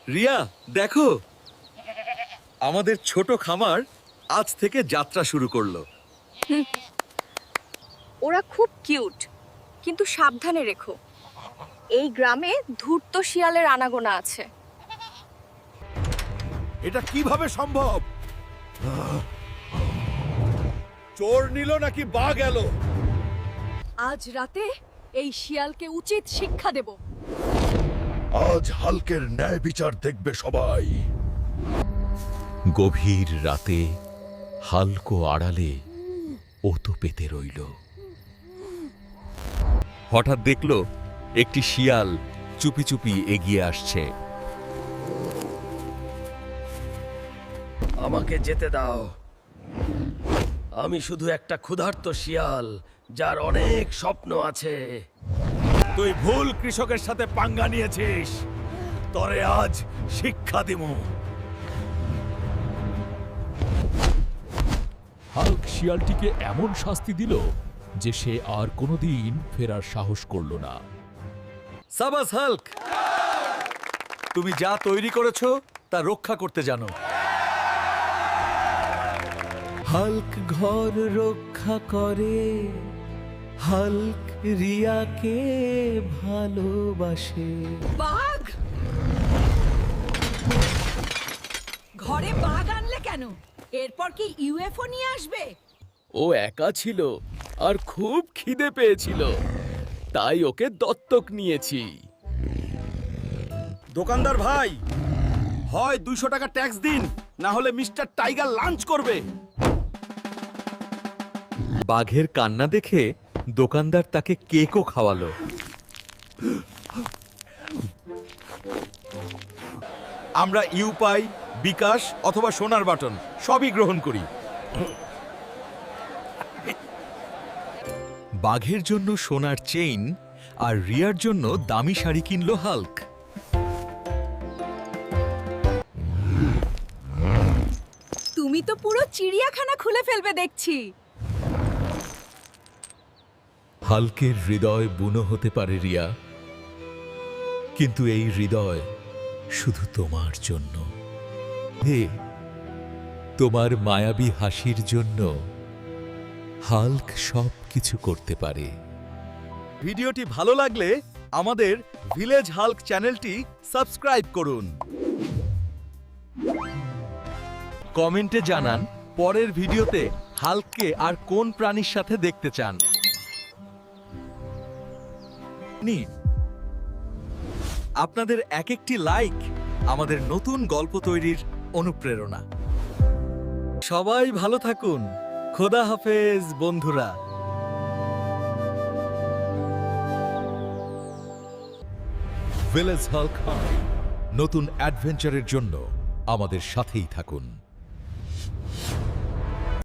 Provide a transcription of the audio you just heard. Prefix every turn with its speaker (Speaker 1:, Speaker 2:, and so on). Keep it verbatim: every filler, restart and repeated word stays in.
Speaker 1: রিয়া দেখো, আমাদের ছোট খামার আজ থেকে যাত্রা শুরু করলো।
Speaker 2: ওরা খুব কিউট, কিন্তু সাবধানে রেখো। এই গ্রামে ধূর্ত শিয়ালের আনাগোনা আছে।
Speaker 3: এটা কিভাবে সম্ভব? চোর নিল নাকি বাঘ এলো?
Speaker 2: আজ রাতে এই শিয়ালকে উচিত শিক্ষা দেব।
Speaker 3: আজ হালকের ন্যায় বিচার দেখবে সবাই।
Speaker 4: গভীর রাতে হালকো আড়ালে ওতো পেতে রইল।
Speaker 1: হঠাৎ দেখলো একটি শিয়াল চুপি চুপি এগিয়ে আসছে।
Speaker 5: আমাকে যেতে দাও। আমি শুধু একটা ক্ষুধার্ত শিয়াল, যার অনেক স্বপ্ন আছে।
Speaker 3: তুই ভুল কৃষকের সাথে পাঙ্গা নিয়েছিস, তরে আজ শিক্ষা দিমু।
Speaker 6: হাল্ক শিয়ালটিকে এমন শাস্তি দিল যে সে আর কোনোদিন ফেরার সাহস করল না।
Speaker 1: সাবাস হাল্ক, তুমি যা তৈরি করেছো তা রক্ষা করতে জানো।
Speaker 7: হাল্ক ঘর রক্ষা করে, হাল্ক রিয়াকে ভালোবাসে।
Speaker 8: বাঘ! ঘরে বাঘ আনলে কেন? এরপর কি ইউএফও নিয়ে আসবে?
Speaker 5: ও একা ছিল আর খুব খিদে পেয়েছিল, তাই ওকে দত্তক নিয়েছি।
Speaker 3: দোকানদার ভাই, হয় দুইশো টাকা ট্যাক্স দিন, না হলে মিস্টার টাইগার লাঞ্চ করবে।
Speaker 1: বাঘের কান্না দেখে দোকানদার তাকে কেকও খাওয়ালো।
Speaker 3: আমরা ইউপাই, বিকাশ অথবা সোনার বাটন সবই গ্রহণ করি।
Speaker 1: বাঘের জন্য সোনার চেইন আর রিয়ার জন্য দামি শাড়ি কিনলো হাল্ক।
Speaker 2: তুমি তো পুরো চিড়িয়াখানা খুলে ফেলবে দেখছি।
Speaker 6: হাল্কের হৃদয় বুনো হতে পারে রিয়া, কিন্তু এই হৃদয় শুধু তোমার জন্য। হে, তোমার মায়াবী হাসির জন্য হাল্ক সব কিছু করতে পারে।
Speaker 1: ভিডিওটি ভালো লাগলে আমাদের ভিলেজ হাল্ক চ্যানেলটি সাবস্ক্রাইব করুন। কমেন্টে জানান পরের ভিডিওতে হাল্ককে আর কোন প্রাণীর সাথে দেখতে চান। আপনাদের এক একটি লাইক আমাদের নতুন গল্প তৈরির অনুপ্রেরণা। সবাই ভালো থাকুন। খোদা হাফেজ বন্ধুরা।
Speaker 6: ভিলেজ হাল্ক নতুন অ্যাডভেঞ্চারের জন্য আমাদের সাথেই থাকুন।